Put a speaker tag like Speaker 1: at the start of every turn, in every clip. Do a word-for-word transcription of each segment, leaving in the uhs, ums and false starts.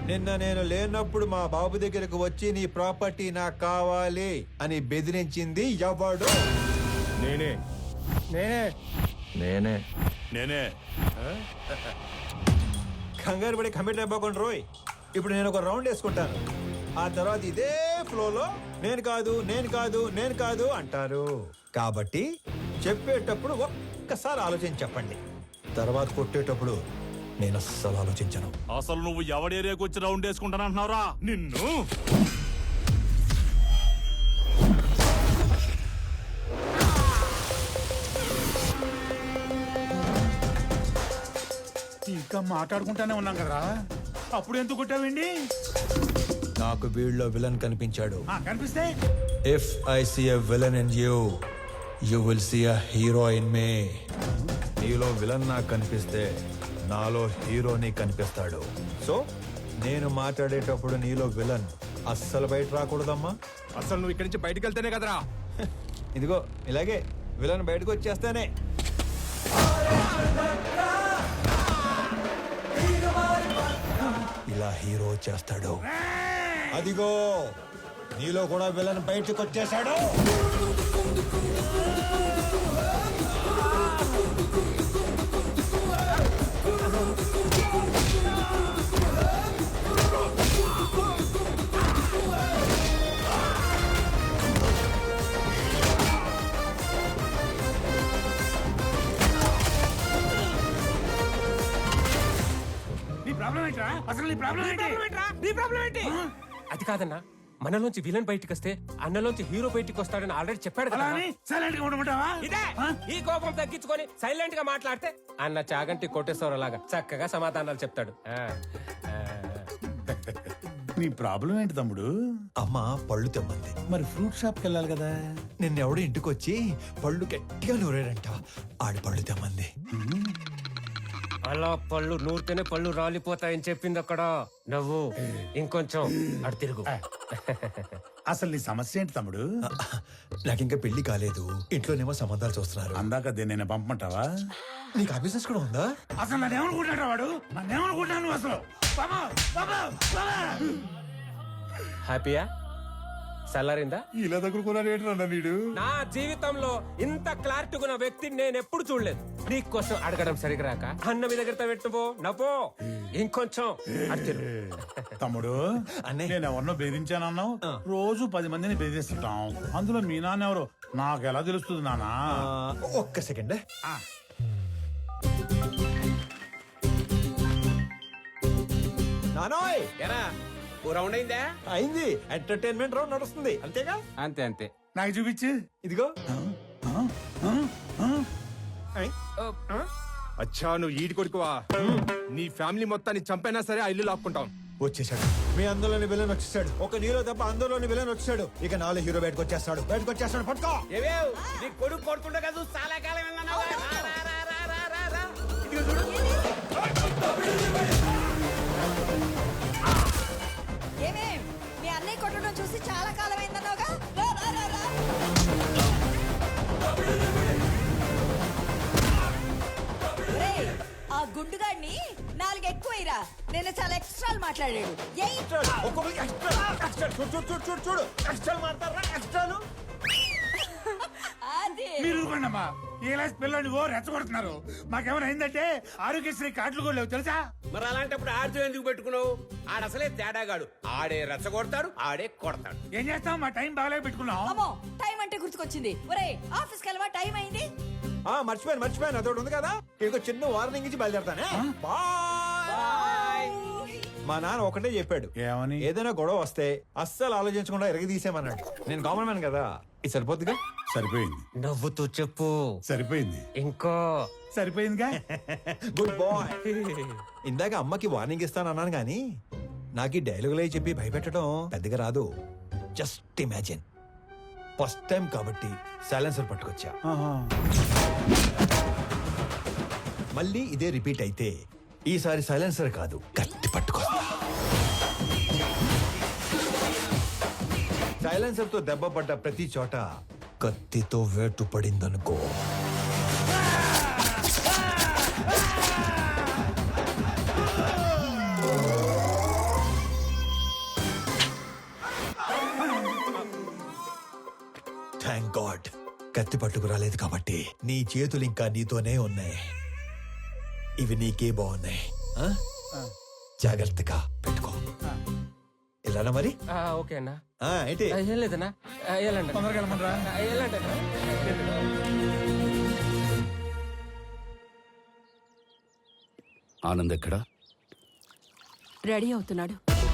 Speaker 1: నిన్న నేను లేనప్పుడు మా బాబు దగ్గరకు వచ్చి నీ ప్రాపర్టీ నాకు కావాలి అని బెదిరించింది ఎవడు?
Speaker 2: నేనే
Speaker 1: నేనే
Speaker 2: నేనే
Speaker 3: నేనే
Speaker 1: కంగారు పడి కమిట్ అయిపోకుండా రోయ్. ఇప్పుడు నేను ఒక రౌండ్ వేసుకుంటాను, ఆ తర్వాత ఇదే ఫ్లోలో నేను కాదు నేను కాదు నేను కాదు అంటారు. కాబట్టి చెప్పేటప్పుడు ఒక్కసారి ఆలోచించి చెప్పండి, తర్వాత కొట్టేటప్పుడు నేను అస్సలు ఆలోచించను.
Speaker 3: అసలు నువ్వు ఎవడి ఏరియాకి వచ్చి రౌండ్ వేసుకుంటానంటున్నావురా నిన్ను?
Speaker 4: ఇంకా మాట్లాడుకుంటానే ఉన్నాం కదరా, అప్పుడు ఎందుకు కొట్టావండి?
Speaker 1: నాకు వీళ్ళలో విలన్ కనిపించాడు.
Speaker 4: ఆ, కనిపిస్తే
Speaker 1: if I see a villain in you, you will see a hero in me. నీలో విలన్ నాకు కనిపిస్తే నాలో హీరోని కనిపిస్తాడు. సో నేను మాట్లాడేటప్పుడు నీలో విలన్ అస్సలు బయట రాకూడదమ్మా.
Speaker 2: అసలు నువ్వు ఇక్కడి నుంచి బయటకు వెళ్తేనే కదరా.
Speaker 1: ఇదిగో ఇలాగే విలన్ బయటకు వచ్చేస్తానే. ఇలా హీరో వచ్చేస్తాడు. అదిగో నీలో కూడా విలన్ బయటకు వచ్చేసాడు.
Speaker 4: నీ ప్రాబ్లం ఏంట్రా? అసలు నీ ప్రాబ్లం ఏంటి?
Speaker 5: అది కాదన్నా, మనలోంచి విలన్ బయటికి వస్తే అన్నలోంచి హీరో బయటికి వస్తాడని ఆల్రెడీ చెప్పాడు కదా.
Speaker 4: అలా అని సైలెంట్ గా ఉండమంటావా?
Speaker 5: ఇదే ఈ కోపం తగ్గించుకొని సైలెంట్ గా మాట్లాడితే అన్న చాగంటి కోటేశ్వర లాగా చక్కగా సమాధానాలు చెప్తాడు. ఆ, ఆ.
Speaker 4: నీ ప్రాబ్లం ఏంటి తమ్ముడు?
Speaker 1: అమ్మ పళ్ళు తెమ్మంది.
Speaker 4: మరి ఫ్రూట్ షాప్ కి వెళ్ళాలి కదా.
Speaker 1: నిన్నెవడు ఇంటికి వచ్చి పళ్ళు గట్టిగా నూరాడంట, ఆడి పళ్ళు తెమ్మంది.
Speaker 5: అలా పళ్ళు నూరితేనే పళ్ళు రాలిపోతాయని చెప్పింది అక్కడ. నవ్వు ఇంకొంచెం అటు తిరుగు.
Speaker 4: అసలు నీ సమస్య ఏంటి తమ్ముడు?
Speaker 1: నాకింకా పెళ్లి కాలేదు, ఇంట్లోనేమో సంబంధాలు చూస్తున్నారు.
Speaker 4: అందాక నేను పంపమంటావా?
Speaker 1: నీకు ఆ బిజినెస్ కూడా ఉందా?
Speaker 4: అసలు నన్ను ఏమనుకుంటాడు వాడు? నన్ను ఏమనుకుంటాను నువ్వు అసలు? బాబా, బాబా, బాబా.
Speaker 5: హ్యాపీయా? సల్లారిందా?
Speaker 4: ఇలా దగ్గరుకున్నాడు ఏంటన్నా వీడు?
Speaker 5: నా జీవితంలో ఇంత క్లారిటీ ఉన్న వ్యక్తిని నేను ఎప్పుడు చూడలేదు. నీకోసం అడగడం సరిగ్గా రాక అన్న మీ దగ్గర పెట్టుపో నవ్వో ఇంకొంచెం అటు తిరుగు.
Speaker 4: తమ్ముడు
Speaker 1: అన్నయ్య.
Speaker 4: నేను ఎవరినో బెదిరించానన్నావు. రోజు పది మందిని బెదిరిస్తుంటాం, అందులో మీ నాన్న ఎవరు నాకు ఎలా తెలుస్తుంది నానా?
Speaker 1: ఆ, ఒక్క సెకండ్. నానోయ్
Speaker 5: ఎరా ఓ రౌండ్ అయిందా?
Speaker 1: అయింది, ఎంటర్టైన్మెంట్ రౌండ్ నడుస్తుంది అంతేగా?
Speaker 5: అంతే అంతే.
Speaker 4: నాకు చూపించు.
Speaker 1: ఇదిగో. ఐ.
Speaker 2: అచ్చా నువ్వు ఈడి కొడుకువా? నీ ఫ్యామిలీ మొత్తాన్ని చంపైనా సరే ఆ ఇల్లు లాక్కుంటాం.
Speaker 1: వచ్చేసాడు, మీ అందులోని విలన్ వచ్చేసాడు. ఒక నీలో తప్ప అందులోని విలన్ వచ్చాడు. ఇక నాలో హీరో బయటకు వచ్చేస్తాడు, బయటకు వచ్చేస్తాడు. పట్టుకో.
Speaker 5: నీ కొడుకు కొడుతుండే కదా చాలా కాలం
Speaker 6: ఏమేం మీ అన్నయ్య కొట్టడం చూసి చాలా కాలం అయిందన్నావుగా. రా, రా, రా, రా. ఒరేయ్, ఆ గుండుగాడిని నాలుగు ఎక్కువైరా. నేను చాలా ఎక్స్ట్రాలు మాట్లాడాడు. ఏయ్,
Speaker 1: ఒక్కొక్కరికి ఎక్స్ట్రా, ఎక్స్ట్రా. చూడు చూడు చూడు చూడు చూడు ఎక్స్ట్రాలు మాట్లాడరా, ఎక్స్ట్రాలు.
Speaker 6: అది
Speaker 4: మీరు ఊరుకోండమ్మా. ఏ క్లాస్ పిల్లలు ఓ రెచ్చగొడుతున్నారు. మాకేమైనా అయిందంటే ఆరోగ్యశ్రీ కార్డులు కూడా లేవు తెలుసా?
Speaker 5: మరి అలాంటప్పుడు ఆడితో ఎందుకు పెట్టుకున్నావు? ఆడ అసలే తేడాగాడు. ఆడే రెచ్చగొడతాడు, ఆడే కొడతాడు.
Speaker 4: ఏం చేస్తాం, మా టైం బాగాలే పెట్టుకున్నాం.
Speaker 6: అమ్మో టైం అంటే గుర్తుకొచ్చింది. ఒరేయ్ ఆఫీస్కి వెళ్ళవా, టైం అయింది.
Speaker 1: ఆ మర్చిపోయాను మర్చిపోయాను అదొకటి ఉంది కదా. ఇంకో చిన్న వార్నింగ్ ఇచ్చి బయలుదేరతానే. బాయ్. మా నాన్న ఒకటే చెప్పాడు,
Speaker 4: ఏమని?
Speaker 1: ఏదైనా గొడవ వస్తే అస్సలు ఆలోచించకుండా ఎరగదీసేమన్నాడు. నేను కామన్ మ్యాన్ కదా, ఇది సరిపోద్దిగా.
Speaker 4: సరిపోయింది.
Speaker 5: నవ్వుతూ చెప్పు.
Speaker 4: సరిపోయింది.
Speaker 5: ఇంకో
Speaker 4: సరిపోయిందిగా.
Speaker 1: Good bye. ఇందాక అమ్మకి వార్నింగ్ ఇస్తాను అన్నాను కానీ నాకు ఈ డైలాగులే చెప్పి భయపెట్టడం పెద్దగా రాదు. జస్ట్ ఇమాజిన్, ఫస్ట్ టైం కాబట్టి సైలెన్సర్ పట్టుకొచ్చా.
Speaker 4: ఆహా.
Speaker 1: మళ్ళీ ఇదే రిపీట్ అయితే ఈసారి సైలెన్సర్ కాదు కత్తి పట్టుకొస్తా. సైలెన్సర్ తో దెబ్బ పడ్డ ప్రతి చోట కత్తితో వేటు పడిందనుకో, కత్తి పట్టుకు రాలేదు కాబట్టి నీ చేతులు ఇంకా నీతోనే ఉన్నాయి. ఇవి నీకే బాగున్నాయి. ఆ? జాగ్రత్తగా పెట్టుకో. ఇలానా మరి?
Speaker 5: ఆ, ఓకే అన్నా.
Speaker 1: ఆ, ఏంటి?
Speaker 5: ఆ, ఏం లేదన్నా. ఆ, వెళ్ళండి.
Speaker 4: తొందరగా వెళ్ళమనరా.
Speaker 5: ఆ, వెళ్ళండి అన్నా.
Speaker 7: ఆనంద్ ఎక్కడా?
Speaker 8: రెడీ అవుతున్నాడు.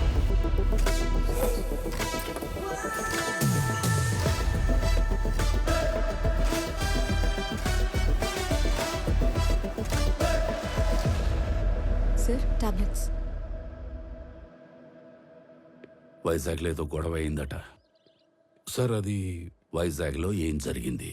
Speaker 8: Sir tablets.
Speaker 7: వైజాగ్లో ఏదో గొడవ అయిందట. సార్ అది వైజాగ్లో ఏం జరిగింది?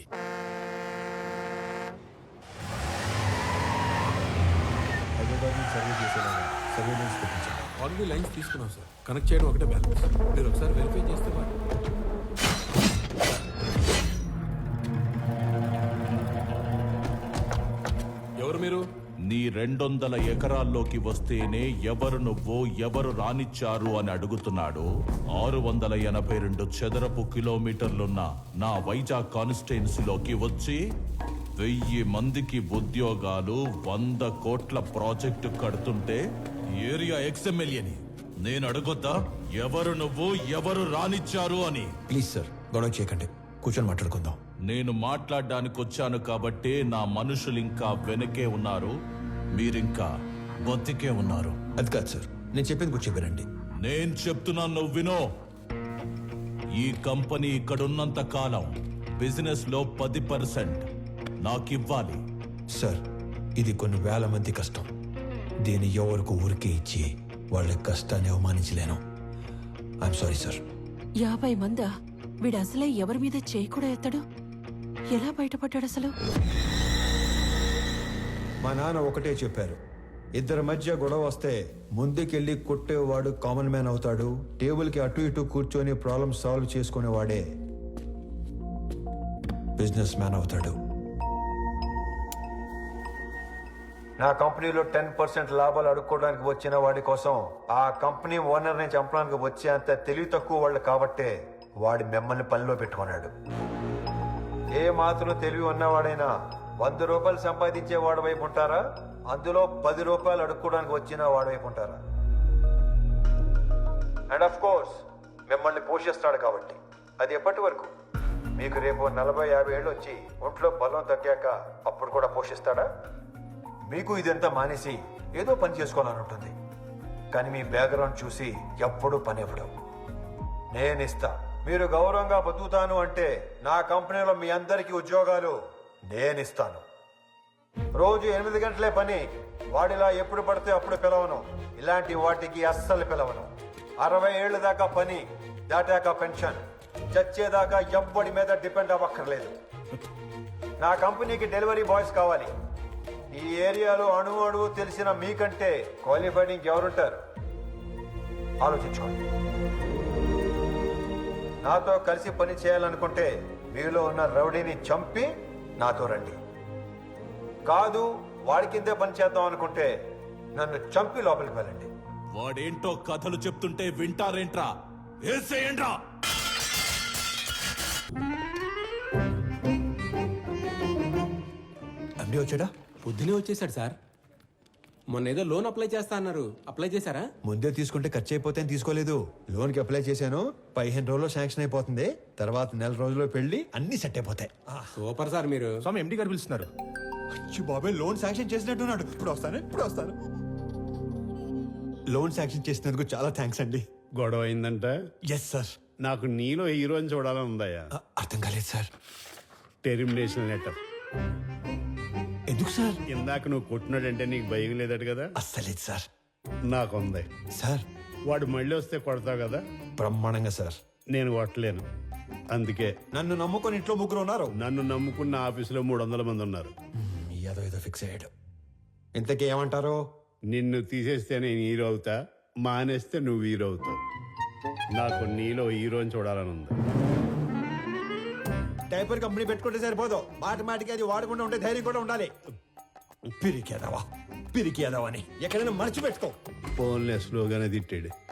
Speaker 9: ఆల్రెడీ లైన్స్ తీసుకున్నాం సార్. కనెక్ట్ చేయడం ఒకటే బ్యాలెన్స్. మీరు ఒకసారి వెరిఫై చేస్తే మరి. ఎవరు మీరు?
Speaker 3: నీ రెండొందల ఎకరాల్లోకి వస్తేనే ఎవరు నువ్వు ఎవరు రానిచ్చారు అని అడుగుతున్నాడు. ఆరు వందల ఎనభై రెండు చదరపు కిలోమీటర్లున్న నా వైజాగ్ కాన్స్టిట్యున్సీలోకి వచ్చి వెయ్యి మందికి ఉద్యోగాలు, వంద కోట్ల ప్రాజెక్టు కడుతుంటే ఏరియా ఎక్స్ఎమ్మెల్యేని నేను అడగొద్దా ఎవరు నువ్వు ఎవరు రానిచ్చారు అని?
Speaker 1: ప్లీజ్ సార్, గొడవ చేయకండి, కూర్చొని మాట్లాడుకుందాం.
Speaker 3: నేను మాట్లాడడానికి వచ్చాను కాబట్టి నా మనుషులు ఇంకా వెనకే ఉన్నారు, మీరింకా బతికే ఉన్నారు.
Speaker 1: అది కాదు సార్, నేను చెప్పింది కూర్చో వినండి.
Speaker 3: నేను చెప్తున్నాను, నువ్వు వినో. ఈ కంపెనీ ఇక్కడున్నంత కాలం బిజినెస్ లో పది పర్సెంట్ నాకివ్వాలి.
Speaker 1: సార్, ఇది కొన్ని వేల మంది కష్టం. దీన్ని ఎవరికి ఊరికే ఇచ్చి వాళ్ళ కష్టాన్ని అవమానించలేను. I'm sorry sir.
Speaker 8: యాభై మందా? వీడు అసలే ఎవరి మీద చేయి కూడా ఎత్తడు. ఎలా బయటపడ్డాడు అసలు?
Speaker 1: మా నాన్న ఒకటే చెప్పారు, ఇద్దరి మధ్య గొడవ వస్తే ముందుకెళ్ళి కొట్టేవాడు కామన్ మ్యాన్ అవుతాడు, టేబుల్కి అటు ఇటు కూర్చొని ప్రాబ్లమ్ సాల్వ్ చేసుకునేవాడే బిజినెస్ మ్యాన్ అవుతాడు. నా కంపెనీలో టెన్ పర్సెంట్ లాభాలు అడుక్కోవడానికి వచ్చిన వాడి కోసం ఆ కంపెనీ ఓనర్ని చంపడానికి వచ్చే అంత తెలివి తక్కువ వాళ్ళు కాబట్టే వాడి మిమ్మల్ని పనిలో పెట్టుకున్నాడు. ఏ మాత్రం తెలివి ఉన్నవాడైనా వంద రూపాయలు సంపాదించే వాడి వైపు ఉంటారా, అందులో పది రూపాయలు అడుక్కోవడానికి వచ్చిన వాడి వైపు ఉంటారా? అండ్ ఆఫ్ కోర్స్ మిమ్మల్ని పోషిస్తాడు కాబట్టి. అది ఎప్పటి వరకు? మీకు రేపు నలభై యాభై ఏళ్ళు వచ్చి ఒంట్లో బలం తగ్గాక అప్పుడు కూడా పోషిస్తాడా? మీకు ఇదంతా మానేసి ఏదో పని చేసుకోవాలని ఉంటుంది, కానీ మీ బ్యాక్గ్రౌండ్ చూసి ఎప్పుడూ పని ఇవ్వడం. నేను ఇస్తా. మీరు గౌరవంగా బతుకుతాను అంటే నా కంపెనీలో మీ అందరికీ ఉద్యోగాలు నేను ఇస్తాను. రోజు ఎనిమిది గంటలే పని. వాడిలా ఎప్పుడు పడితే అప్పుడు పిలవను. ఇలాంటి వాటికి అస్సలు పిలవను. అరవై ఏళ్ళ దాకా పని, దాటాక పెన్షన్. చచ్చేదాకా ఎవ్వడి మీద డిపెండ్ అవ్వక్కర్లేదు. నా కంపెనీకి డెలివరీ బాయ్స్ కావాలి. ఈ ఏరియాలో అణు అణువు తెలిసిన మీకంటే క్వాలిఫైడ్ ఇంకెవరుంటారు? ఆలోచించుకోండి. నాతో కలిసి పని చేయాలనుకుంటే మీలో ఉన్న రౌడీని చంపి నాతో రండి. కాదు, వాడి కిందే పని చేద్దాం అనుకుంటే నన్ను చంపి లోపలికి వెళ్ళండి.
Speaker 3: వాడేంటో కథలు చెప్తుంటే వింటారేంట్రా? ఏసేయండ్రా.
Speaker 1: అండి వచ్చాడా?
Speaker 9: పొద్దునే వచ్చేసాడు సార్. మొన్న ఏదో లోన్ అప్లై చేస్తా అన్నారు, అప్లై చేశారా?
Speaker 1: ముందే తీసుకుంటే ఖర్చు అయిపోతే తీసుకోలేదు. లోన్కి అప్లై చేశాను, పదిహేను రోజుల్లో శాంక్షన్ అయిపోతుంది. తర్వాత నెల రోజుల్లో పెళ్లి, అన్ని సెట్ అయిపోతాయి.
Speaker 9: సూపర్ సార్ మీరు.
Speaker 2: స్వామి ఎండి గారు పిలుస్తున్నారు.
Speaker 1: బాబాయ్ లోన్ శాంక్షన్ చేసినట్టున్నాడు. ఇప్పుడు వస్తాను, ఇప్పుడు వస్తాను. లోన్ శాంక్షన్ చేసినందుకు చాలా థ్యాంక్స్ అండి.
Speaker 10: గొడవ అయిందంట.
Speaker 1: Yes sir.
Speaker 10: నాకు నీలో హీరోని చూడాలని ఉందయ్యా.
Speaker 1: అర్థం కాలేదు సార్.
Speaker 10: Termination letter.
Speaker 1: ఎందుకు సార్?
Speaker 10: ఇందాక నువ్వు కొట్టినాడంటే నీకు భయం లేదట కదా?
Speaker 1: అస్సలేదు సార్.
Speaker 10: నాకుంది
Speaker 1: సార్.
Speaker 10: వాడు మళ్ళీ వస్తే కొడతావు కదా?
Speaker 1: బ్రహ్మాండంగా సార్.
Speaker 10: నేను కొట్టలేను, అందుకే.
Speaker 1: నన్ను నమ్ముకొని ఇంట్లో ముగ్గురు ఉన్నారు.
Speaker 10: నన్ను నమ్ముకున్న ఆఫీసులో మూడు వందల మంది ఉన్నారు.
Speaker 1: ఏదో ఏదో ఫిక్స్ అయ్యాడు. ఇంతకీ ఏమంటారు?
Speaker 10: నిన్ను తీసేస్తే నేను హీరో అవుతా, మానేస్తే నువ్వు హీరో అవుతావు. నాకు నీలో హీరోని చూడాలని ఉంది.
Speaker 1: డైపర్ కంపెనీ పెట్టుకుంటే సరిపోదు, మాటి మాటికి అది వాడకుండా ఉండే ధైర్యం కూడా ఉండాలి. పిరికేదవా పిరికేదవా అని ఎక్కడైనా మర్చిపెట్టుకో.
Speaker 10: ఫోన్లే స్లోగానే తిట్టాడు.